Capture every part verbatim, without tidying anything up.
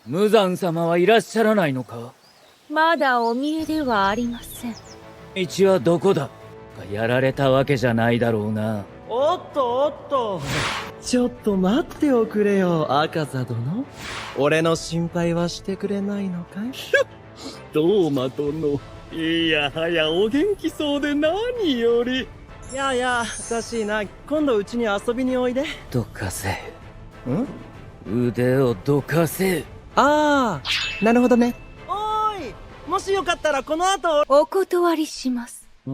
無惨様はいらっしゃらないのか？ まだお見えではありません。 道はどこだ？やられたわけじゃないだろうな。 おっとおっと、ちょっと待っておくれよ、赤座殿。俺の心配はしてくれないのかい？ ローマ殿、いやはやお元気そうで何より。 いやいや、おかしいな。今度うちに遊びにおいで。 どかせ。 ん？ 腕をどかせ。 ああ、なるほどね。おーい、もしよかったらこの後。 お断りします。 うん。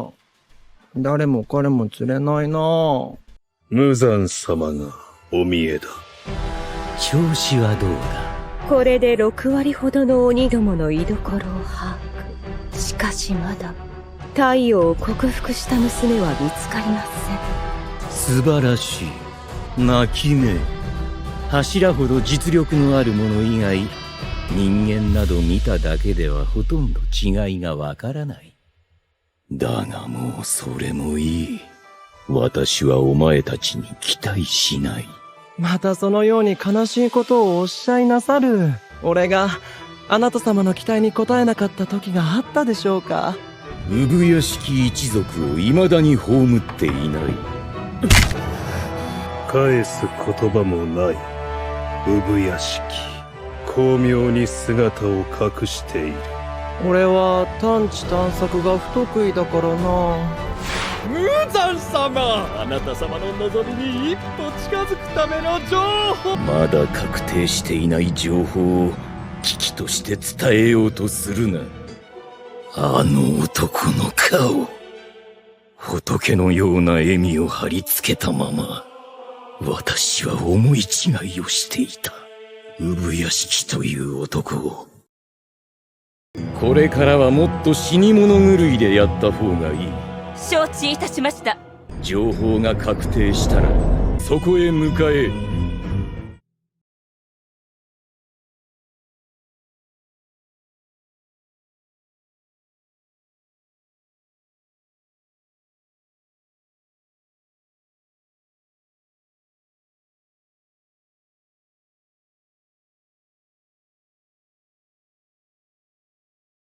誰も彼も釣れないな。 無惨様がお見えだ。 調子はどうだ？ これでろくわりほどの鬼どもの居所を把握。しかしまだ太陽を克服した娘は見つかりません。素晴らしい。泣き目。柱ほど実力のある者以外、人間など見ただけではほとんど違いがわからない。だがもうそれもいい。私はお前たちに期待しない。 またそのように悲しいことをおっしゃいなさる。俺があなた様の期待に応えなかった時があったでしょうか。 産屋敷一族を未だに葬っていない。 返す言葉もない。産屋敷、巧妙に姿を隠している。 俺は探知探索が不得意だからな。 無惨様、あなた様の望みに一歩近づくための情報。 まだ確定していない情報を危機として伝えようとするな。あの男の顔、仏のような笑みを貼り付けたまま、私は思い違いをしていた。産屋敷という男を。これからはもっと死に物狂いでやった方がいい。 承知いたしました。 情報が確定したらそこへ向かえ。